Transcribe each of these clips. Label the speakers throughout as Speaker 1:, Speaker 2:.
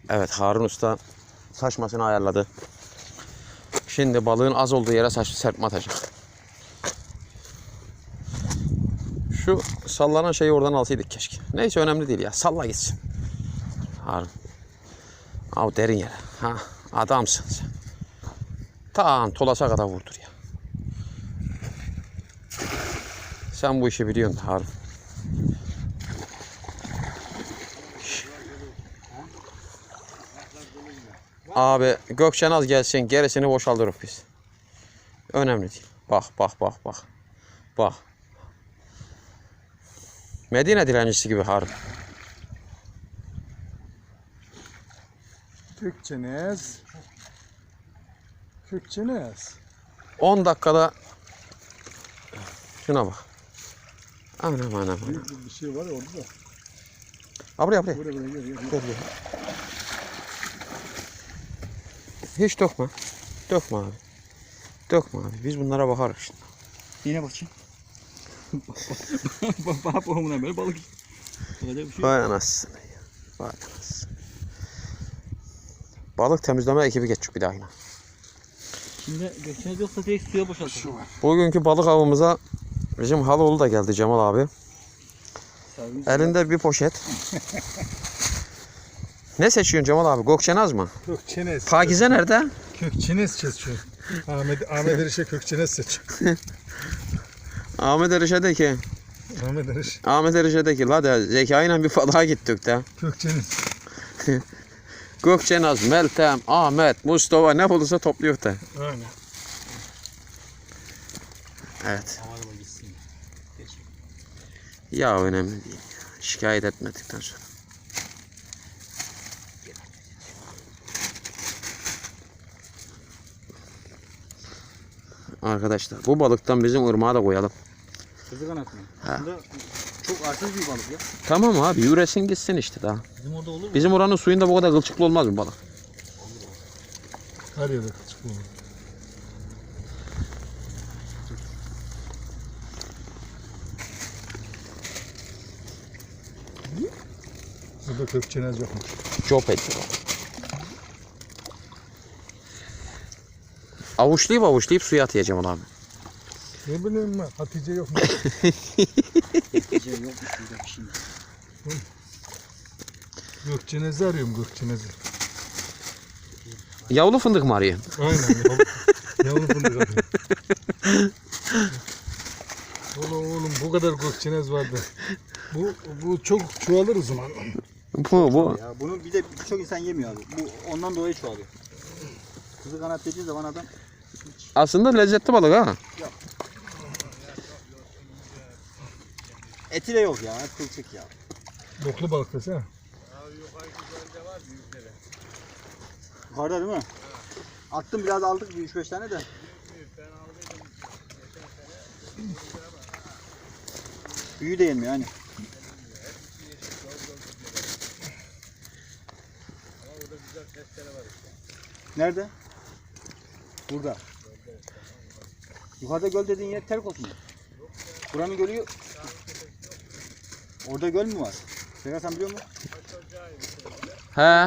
Speaker 1: Evet, Harun Usta saçmasını ayarladı. Şimdi balığın az olduğu yere serpme atacak. Şu sallanan şeyi oradan alsaydık keşke. Neyse, önemli değil ya. Salla gitsin. Harun. Av derin yere. Ha, adamsın sen. Tamam, Tolas'a kadar vurdur ya. Sen bu işi biliyorsun Harun. Abi Gökçenaz gelsin, gerisini boşaltırız biz. Önemli değil. Bak. Bak. Medine dilencisi gibi Harun.
Speaker 2: Gökçenaz.
Speaker 1: 10 dakikada şuna bak. Anam.
Speaker 2: Bir şey var ya orada da.
Speaker 1: Buraya.
Speaker 2: Buraya gel.
Speaker 1: Hiç dökme. Dökme abi. Biz bunlara bakarız şimdi.
Speaker 3: Yine bakayım. Bak boğumuna böyle balık. Olacak bir şey yok.
Speaker 1: Vay anasını. Balık temizleme ekibi geçecek bir daha yine.
Speaker 3: Şimdi Gökçenaz yoksa direkt suya boşaltacağım.
Speaker 1: Bugünkü balık avımıza bizim Haloğlu da geldi, Cemal abi. Elinde bir poşet. Ne seçiyorsun Cemal abi? Gökçenaz mı?
Speaker 2: Gökçenaz.
Speaker 1: Pakize nerede?
Speaker 2: Gökçenaz seçiyor. Ahmet Erişe Gökçenaz seçiyor.
Speaker 1: Ahmet Erişe'deki. Ahmet Erişe'deki la de zekayla bir balığa gittik de.
Speaker 2: Gökçenaz.
Speaker 1: Gökçenaz, Meltem, Ahmet, Mustafa ne bulursa topluyor da.
Speaker 2: Aynen.
Speaker 1: Evet. Ya önemli değil. Şikayet etmedikten sonra. Arkadaşlar bu balıktan bizim ırmağa da koyalım.
Speaker 3: Kızı kanat mı? Aslında çok arsız bir balık ya.
Speaker 1: Tamam abi, yüresin gitsin işte daha.
Speaker 3: Bizim orada olur mu?
Speaker 1: Bizim oranın suyunda bu kadar kılçıklı olmaz mı balık?
Speaker 2: Her yerde kılçık olur. Burada Gökçenaz yokmuş.
Speaker 1: Çok etti. Avuçlayıp suya atacağım abi.
Speaker 2: Ne bileyim ben, Hatice yokmuş.
Speaker 3: Gece yokmuş burada bir şey.
Speaker 2: Gökçenaz'ı arıyorum, Gökçenaz'ı.
Speaker 1: Yavru fındık mı arıyorsun?
Speaker 2: Aynen. Yavru fındık arıyorum. Oğlum bu kadar Gökçenaz vardı. Bu çok çoğalır o zaman.
Speaker 1: Bu.
Speaker 3: Ya bunu bir de birçok insan yemiyor abi. Bu ondan dolayı çoğalıyor. Kızı kanat dediği zaman adam
Speaker 1: Aslında lezzetli balık ha.
Speaker 3: eti de yok ya. Hep kılçık ya.
Speaker 2: Boklu balık desene.
Speaker 3: Yukarıda değil mi? Attım biraz aldık 3-5 tane de. Büyü de yemiyor hani. Nerede? Burada. Yukarıda göl dediğin yer Terkos mu? Buranın gölü... Orada göl mü var? Serkan sen biliyor musun?
Speaker 1: He.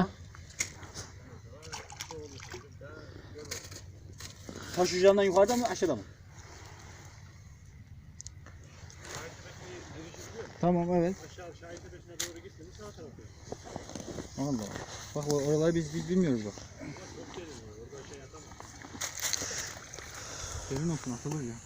Speaker 3: Taş ucundan yukarıda mı aşağıda mı? Tamam evet. Aşağı tepesine doğru gitmedi sağ tarafta. Allah. Bak oraları biz bilmiyoruz bak. Senin olsun atılır ya.